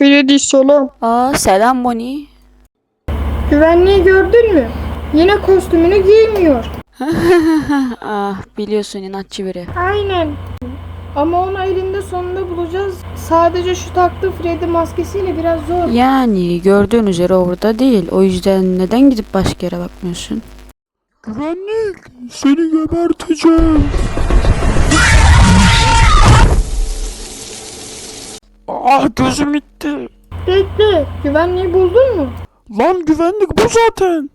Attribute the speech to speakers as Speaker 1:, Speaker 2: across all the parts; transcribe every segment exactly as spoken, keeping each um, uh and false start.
Speaker 1: Freddy selam.
Speaker 2: Aa selam Bonnie.
Speaker 1: Güvenliği gördün mü? Yine kostümünü giymiyor.
Speaker 2: Ah biliyorsun inatçı biri.
Speaker 1: Aynen. Ama onu elinde sonunda bulacağız. Sadece şu taktığı Freddy maskesiyle biraz zor.
Speaker 2: Yani gördüğün üzere orada değil. O yüzden neden gidip başka yere bakmıyorsun?
Speaker 3: Güvenlik, seni geberteceğim. Ah gözüm gitti.
Speaker 1: Bekle. Güvenliği buldun mu?
Speaker 3: Lan güvenlik bu zaten.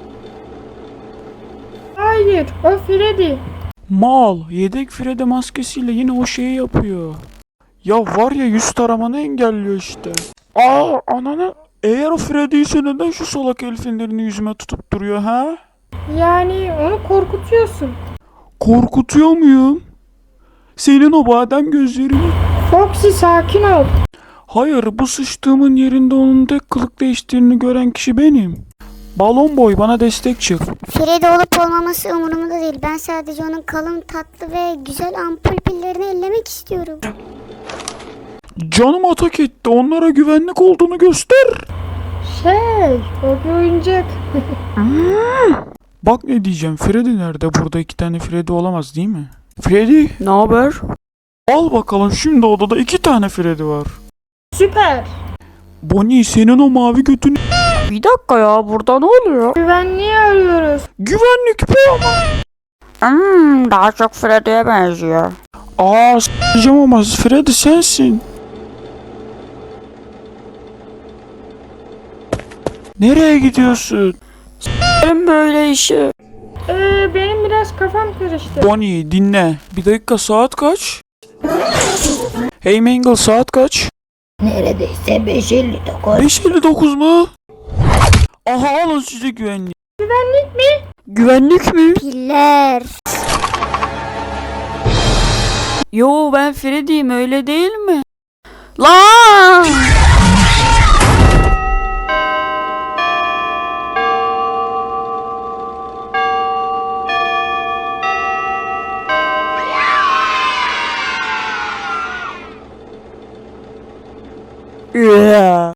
Speaker 1: Hayır. O Freddy.
Speaker 3: Mal, yedek Freddy maskesiyle yine o şeyi yapıyor. Ya var ya yüz taramanı engelliyor işte. Aa ananı. Eğer o Freddy ise neden şu salak el fenerini yüzüme tutup duruyor ha?
Speaker 1: Yani onu korkutuyorsun.
Speaker 3: Korkutuyor muyum? Senin o badem gözlerini.
Speaker 1: Foxy sakin ol.
Speaker 3: Hayır, bu sıçtığımın yerinde onun tek kılık değiştiğini gören kişi benim. Balon boy bana destek çık.
Speaker 4: Freddy olup olmaması umurumda değil. Ben sadece onun kalın, tatlı ve güzel ampul pillerini ellemek istiyorum.
Speaker 3: Canım atak etti. Onlara güvenlik olduğunu göster.
Speaker 1: Şey, o bir oyuncak.
Speaker 3: Bak ne diyeceğim. Freddy nerede? Burada iki tane Freddy olamaz değil mi? Freddy,
Speaker 2: Ne haber?
Speaker 3: al bakalım. Şimdi odada iki tane Freddy var.
Speaker 1: Süper.
Speaker 3: Bonnie, senin o mavi götünü...
Speaker 2: Bir dakika ya burada ne oluyor?
Speaker 1: Güvenliği arıyoruz.
Speaker 3: Güvenlik be ama.
Speaker 2: Hmm, daha çok Freddy'ye benziyor.
Speaker 3: Aa s**eceğim ama Freddy sensin. Nereye gidiyorsun?
Speaker 2: Benim böyle işi.
Speaker 1: Ee, benim biraz kafam karıştı.
Speaker 3: Bonnie dinle. Bir dakika, saat kaç? Hey Mangle, saat kaç?
Speaker 5: Neredeyse beş elli dokuz.
Speaker 3: beş elli dokuz mu? Aha alın size güvenlik.
Speaker 1: Güvenlik mi?
Speaker 2: Güvenlik mi?
Speaker 4: Piller.
Speaker 2: Yo ben Freddy'yim öyle değil mi? Lan!